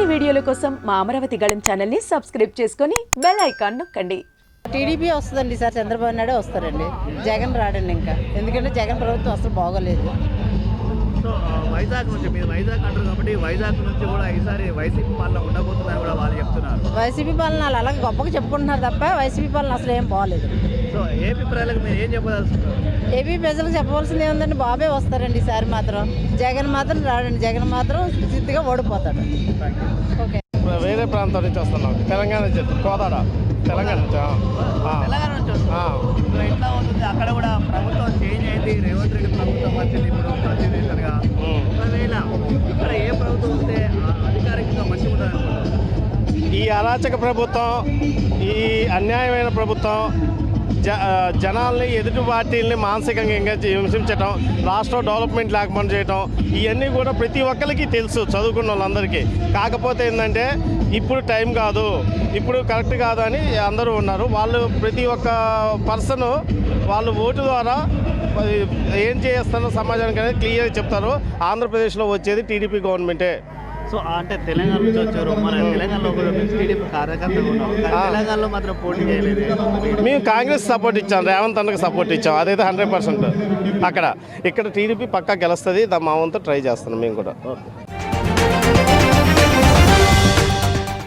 మరిన్ని వీడియోల కోసం మా అమరావతి గళం ఛానల్ని సబ్స్క్రైబ్ చేసుకొని బెల్ ఐకాన్ నొక్కండి. టీడీపీ వస్తుందండి, సార్ చంద్రబాబు నాయుడు వస్తారండి, జగన్ రాడండి ఇంకా, ఎందుకంటే జగన్ ప్రభుత్వం అసలు బాగోలేదు. సో వైజాగ్ నుంచి మీరు వైజాగ్ అంటారు కాబట్టి వైజాగ్ నుంచి కూడా ఈసారి వైసీపీ పాలన ఉండబోతుందని కూడా వాళ్ళు చెప్తున్నారు. వైసీపీ పాలన వాళ్ళు అలాగే గొప్పగా చెప్పుకుంటున్నారు తప్ప వైసీపీ పాలన అసలు ఏం బాగోలేదు. సో ఏపీ ప్రజలకు మీరు ఏం చెప్పదలుచుకున్నారు? ఏపీ ప్రజలకు చెప్పవలసింది ఏముందండి, బాబే వస్తారండి ఈసారి మాత్రం, జగన్ మాత్రం రాడండి, జగన్ మాత్రం స్థితిగా ఓడిపోతాడు. ఓకే, వేరే ప్రాంతం నుంచి వస్తున్నాం, తెలంగాణ నుంచి, కోదాడ తెలంగాణ నుంచి. తెలంగాణ నుంచి వస్తున్నారు. సో ఎట్లా అవుతుంది అక్కడ కూడా ప్రభుత్వం చేంజ్ అయింది, రేవంత్ రెడ్డి ప్రభుత్వం వచ్చింది ఇప్పుడు ప్రతినిధిగా. ఒకవేళ ఇక్కడ ఏ ప్రభుత్వం వస్తే అధికారికంగా మంచిగా ఉంటుంది అనుకుంటారు? ఈ అరాచక ప్రభుత్వం, ఈ అన్యాయమైన ప్రభుత్వం జనాల్ని, ఎదుటి పార్టీలని మానసికంగా హింసించడం, రాష్ట్రం డెవలప్మెంట్ లేకుండా చేయటం, ఇవన్నీ కూడా ప్రతి ఒక్కరికి తెలుసు, చదువుకున్న వాళ్ళందరికీ. కాకపోతే ఏంటంటే ఇప్పుడు టైం కాదు, ఇప్పుడు కరెక్ట్ కాదు అని అందరూ ఉన్నారు. వాళ్ళు ప్రతి ఒక్క పర్సన్ వాళ్ళు ఓటు ద్వారా ఏం చేస్తారో సమాజానికి అనేది క్లియర్గా చెప్తారు. ఆంధ్రప్రదేశ్లో వచ్చేది టీడీపీ గవర్నమెంటే. సో అంటే తెలంగాణ నుంచి వచ్చారు, మన తెలంగాణలో కూడా టీడీపీ కార్యకర్తలు ఉన్నాం, తెలంగాణలో మాత్రం పోటీ చేయలేదు. మేము కాంగ్రెస్ సపోర్ట్ ఇచ్చాం, రేవంత్ అన్నకి సపోర్ట్ ఇచ్చాం, అదైతే 100%. ఇక్కడ టీడీపీ పక్కా గెలుస్తుంది, మా వంతు ట్రై చేస్తున్నాం మేము కూడా.